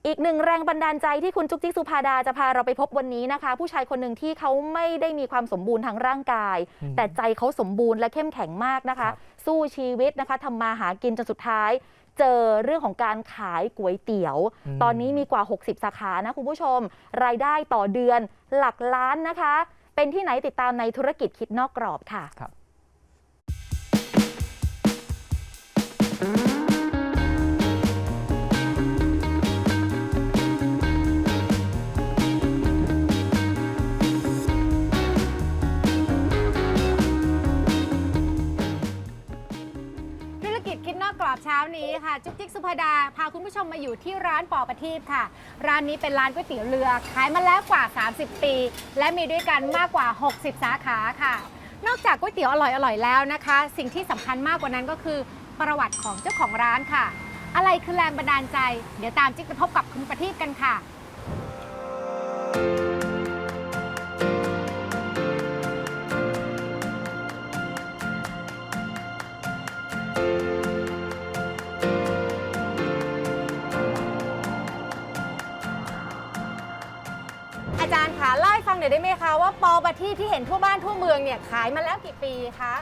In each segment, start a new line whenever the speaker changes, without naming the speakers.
อีกหนึ่งแรงบันดาลใจที่คุณจุ๊กจิ๊กสุภาดาจะพาเราไปพบวันนี้นะคะผู้ชายคนหนึ่งที่เขาไม่ได้มีความสมบูรณ์ทางร่างกายแต่ใจเขาสมบูรณ์และเข้มแข็งมากนะคะสู้ชีวิตนะคะทำมาหากินจนสุดท้ายเจอเรื่องของการขายก๋วยเตี๋ยวตอนนี้มีกว่า60สาขานะคุณผู้ชมรายได้ต่อเดือนหลักล้านนะคะเป็นที่ไหนติดตามในธุรกิจคิดนอกกรอบค่ะ
คิดนอกกรอบเช้านี้ค่ะจุ๊กจิ๊กสุภาดาพาคุณผู้ชมมาอยู่ที่ร้านปอประทีปค่ะร้านนี้เป็นร้านก๋วยเตี๋ยวเรือขายมาแล้วกว่า30ปีและมีด้วยกันมากกว่า60สาขาค่ะนอกจากก๋วยเตี๋ยวอร่อยแล้วนะคะสิ่งที่สำคัญมากกว่านั้นก็คือประวัติของเจ้าของร้านค่ะอะไรคือแรงบันดาลใจเดี๋ยวตามจิ๊กไปพบกับคุณประทีปกันค่ะอาจารย์คะเล่าให้ฟังหน่อยได้ไหมคะว่าปอประทีปที่เห็นทั่วบ้านทั่วเมืองเนี่ยขายมาแล้วกี่ปีคะ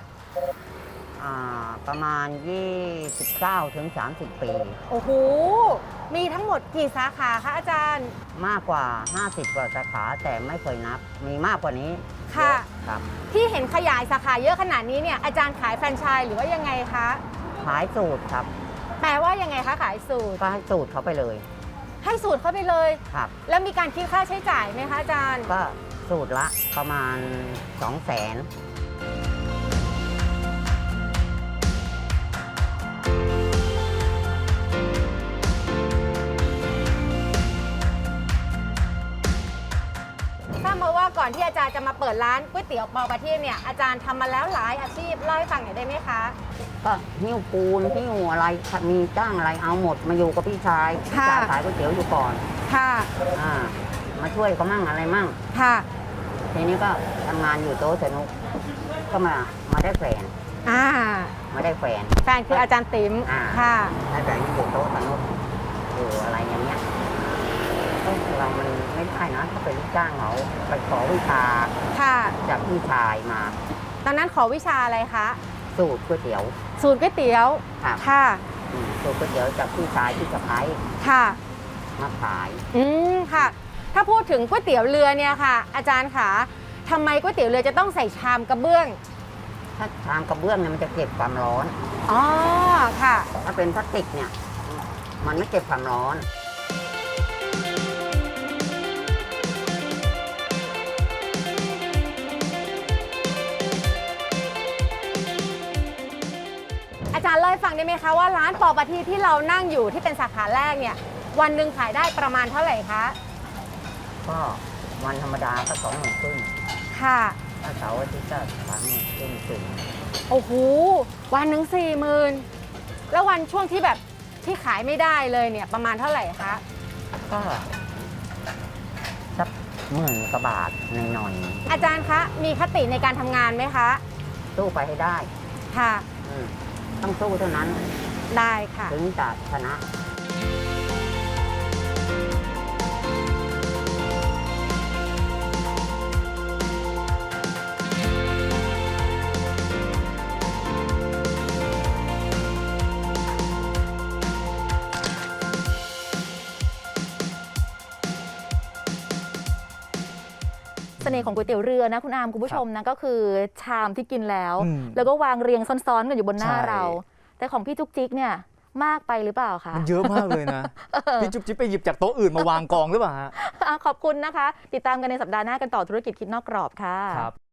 ประมาณ29 ถึง 30 ปี
โอ้โหมีทั้งหมดกี่สาขาคะอาจารย์
มากกว่า50กว่าสาขาแต่ไม่เคยนับมีมากกว่านี้
ค่ะ
ครับ
ที่เห็นขยายสาขาเยอะขนาดนี้เนี่ยอาจารย์ขายแฟรนไชส์หรือว่ายังไงคะ
ขายสูตรครับ
แปลว่ายังไงคะขายสูตร
ก็ให้สูตรเขาไปเลย
ให้สูตรเข้าไปเลย
ครับ
แล้วมีการคิดค่าใช้จ่ายไหมคะอาจารย์
ก็สูตรละประมาณ 200,000
ทราบมาว่าก่อนที่อาจารย์จะมาเปิดร้านก๋วยเตี๋ยวปอประทีปเนี่ยอาจารย์ทำมาแล้วหลายอาชีพเล่าให้ฟังหน่อยได้ไหมคะ
ก็หิ้วปูนหิ้วอะไรมีจ้างอะไรเอาหมดมาอยู่กับพี่ชายขายก๋วยเตี๋ยวอยู่ก่อน
ค่ะ
มาช่วยเขามั่งอะไรมั่ง
ค่ะ
ทีนี้ก็ทำงานอยู่โต๊ะสนุกก็มาได้แฟนมาได้แฟน
คืออาจารย์ติ๋ม
ค่ะได้แฟนอยู่โต๊ะสนุกอยู่อะไรอย่างเงี้ยเรามันไม่ได้นะถ้าเป็นลูกจ้างเขาไปขอวิชาจากพี่ชายมา
ตอนนั้นขอวิชาอะไรคะ
สูตรก๋วยเตี๋ยว
สูตรก๋วยเตี๋ยวค่ะ
สูตรก๋วยเตี๋ยวจากพี่ชายที่สะพ้าย
ค่ะ
มาขาย
ค่ะถ้าพูดถึงก๋วยเตี๋ยวเรือเนี่ยค่ะอาจารย์คะทำไมก๋วยเตี๋ยวเรือจะต้องใส่ชามกระเบื้อง
ถ้าชามกระเบื้องเนี่ยมันจะเก็บความร้อน
อ๋อค่ะ
ถ้าเป็นพลาสติกเนี่ยมันไม่เก็บความร้อน
อาจารย์เล่าให้ฟังได้ไหมคะว่าร้านปอประทีปที่เรานั่งอยู่ที่เป็นสาขาแรกเนี่ยวันหนึ่งขายได้ประมาณเท่าไหร่คะ
ก็วันธรรมดาก็20,000
ค่ะ
ถ้าเสาร์อาทิตย์ก็30,000ถึง
โอ้โหวันหนึ่ง40,000แล้ววันช่วงที่แบบที่ขายไม่ได้เลยเนี่ยประมาณเท่าไหร่คะ
ก็สัก10,000 กว่าบาทหน่อย
อาจารย์คะมีคติในการทำงานไหมคะ
สู้ไปให้ได้
ค่ะ
ต้องสู้เท่านั้น
ได้ค่ะ
ถึงจะชนะ
เสน่ห์ของก๋วยเตี๋ยวเรือนะคุณอามคุณผู้ชมนะก็คือชามที่กินแล้วแล้วก็วางเรียงซ้อนๆกันอยู่บนหน้าเราแต่ของพี่จุ๊กจิ๊กเนี่ยมากไปหรือเปล่าคะ
มันเยอะมากเลยนะพี่จุ๊บจิ๊บไปหยิบจากโต๊ะอื่นมาวางกองหรือเปล่าฮะ
ขอบคุณนะคะติดตามกันในสัปดาห์หน้ากันต่อธุรกิจคิดนอกกรอบค่ะ